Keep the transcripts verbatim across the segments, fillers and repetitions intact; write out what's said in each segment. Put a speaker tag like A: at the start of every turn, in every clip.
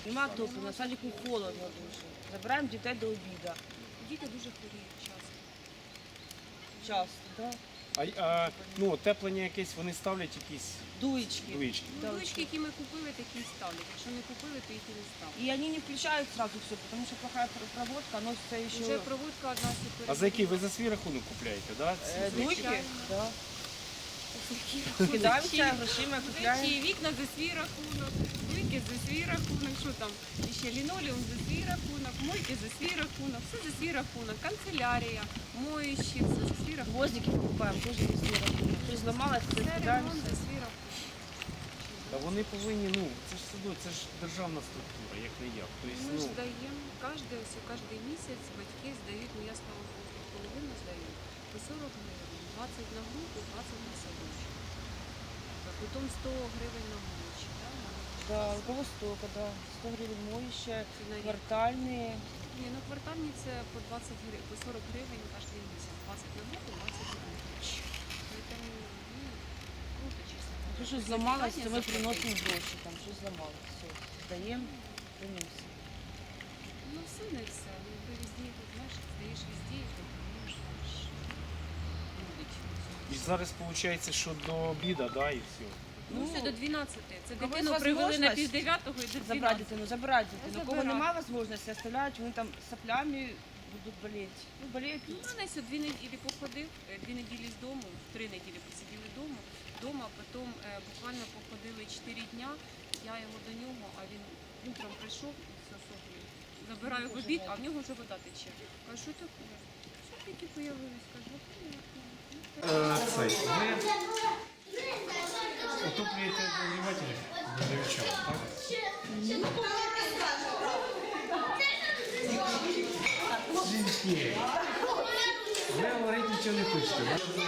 A: Нема топлива, на садику холодно дуже. Забираємо дітей до обіду.
B: Діти дуже хворіють часто.
A: Часто, так?
C: А, а ну, отеплення якесь, вони ставлять якісь
A: Дуечки.
C: дуєчки.
B: Ну, дочки, які ми купили, такі і ставлять. Якщо не купили, то їх і не ставлять.
A: И они не включают сразу все, потому что плохая пр- проводка, носится еще...
B: Вже проводка одна супер.
C: А за який ви за свій рахунок купляєте, да? ці
A: Э,
C: звички?
A: дуйки? Да. Кидаемся грошима, купляем.
B: Речі, вікна за свій рахунок, вики за свій рахунок, що там, ще лінолеум за свій рахунок, мойки за свій рахунок, все за свій рахунок, канцелярія, моющі, все за свій рахунок.
A: Гвоздики покупаем, тоже за свой рахунок. То есть сломалось, то
B: Це ремонт
A: кидаемся.
B: за свій рахунок.
C: Та вони повинні, ну, це ж садок, це ж державна структура, як не як. Тобто,
B: Ми
C: ну,
B: ж здаємо, кожен, ось, кожен місяць батьки здають, ну я слава Богу, половину здаю, по сорок гривень, двадцять на групу, двадцять на садочок. А потім сто гривень на мовичі. Да?
A: Да, у кого столько, да. сто гривен моющая,
B: Це на рік.
A: квартальные.
B: Ні, ну квартальні це по двадцять гривень, по сорок гривень кожен місяць. двадцять на групу, двадцять на мовичі. Тому, ну, круто, чесно.
A: То, что сломалось, то мы приносим гроши, там, что сломалось. Все, сдаем, приносим.
B: Ну все не все. Ну, ти везде, тут, знаєш, здаєш везде, і ти розумієш,
C: і зараз виходить, що до обіду, да, і все.
B: Ну, все до дванадцяти. Це
A: кого
B: дитину
A: є
B: привели на
A: можливість
B: пів дев'ятого і до
A: Забрать
B: дванадцяти.
A: дитину, забрать дитину. У кого
B: забирати.
A: немає можливості, оставляють, вони там соплями будуть болеть. Ну, болеють.
B: Ну, Манась дві неділі походив, е, дві неділі з дому, три неділі посиділи вдома, вдома, потім е, буквально походили чотири дня, я його до нього, а він утром прийшов з соплі, забираю в обід, а в нього вже вода тече. Кажу, що таке? Що таке появились? Кажу,
C: Цей, ви отоплюєте обігрівателі для дівчат, так? Жінки, ви говорити нічого не хочете.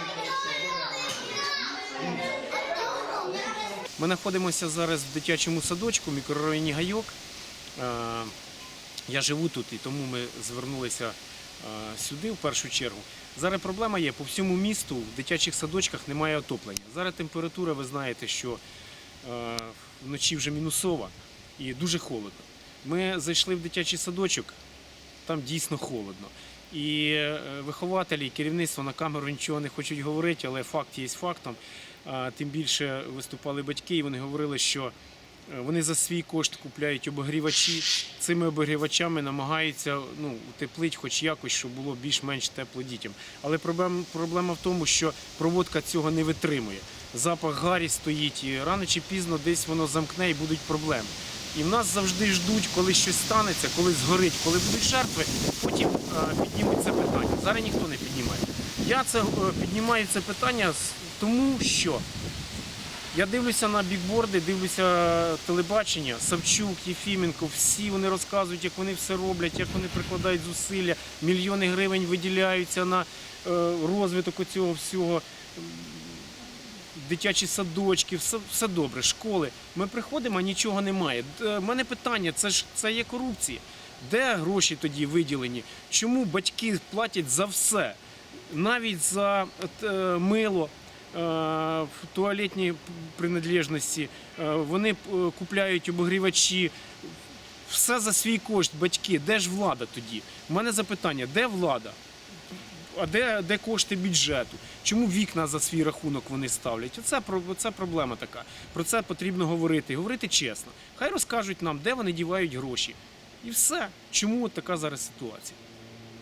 C: Ми знаходимося зараз в дитячому садочку в мікрорайоні Гайок. Е, Я живу тут і тому ми звернулися е, сюди в першу чергу. Зараз проблема є, по всьому місту в дитячих садочках немає отоплення. Зараз температура, ви знаєте, що е, вночі вже мінусова і дуже холодно. Ми зайшли в дитячий садочок, там дійсно холодно. І е, вихователі, і керівництво на камеру нічого не хочуть говорити, але факт є фактом. А, тим більше виступали батьки, і вони говорили, що е, вони за свій кошт купляють обігрівачі. Цими обігрівачами намагаються ну, утеплити хоч якось, щоб було більш-менш тепло дітям. Але проблема, проблема в тому, що проводка цього не витримує. Запах гарі стоїть, і рано чи пізно десь воно замкне і будуть проблеми. І в нас завжди ждуть, коли щось станеться, коли згорить, коли будуть жертви, потім е, піднімуть це питання. Зараз ніхто не піднімає. Я це е, піднімаю це питання з- тому, що я дивлюся на бікборди, дивлюся телебачення, Савчук, Єфіменко, всі вони розказують, як вони все роблять, як вони прикладають зусилля, мільйони гривень виділяються на е, розвиток цього всього. Дитячі садочки, все, все добре, школи. Ми приходимо, а нічого немає. У мене питання, це ж це є корупція. Де гроші тоді виділені? Чому батьки платять за все? Навіть за е, мило, е, туалетні принадлежності, е, вони е, купляють обігрівачі. Все за свій кошт, батьки. Де ж влада тоді? У мене запитання, де влада? А де, де кошти бюджету? Чому вікна за свій рахунок вони ставлять? Оце, оце проблема така. Про це потрібно говорити. І говорити чесно. Хай розкажуть нам, де вони дівають гроші. І все. Чому от така зараз ситуація?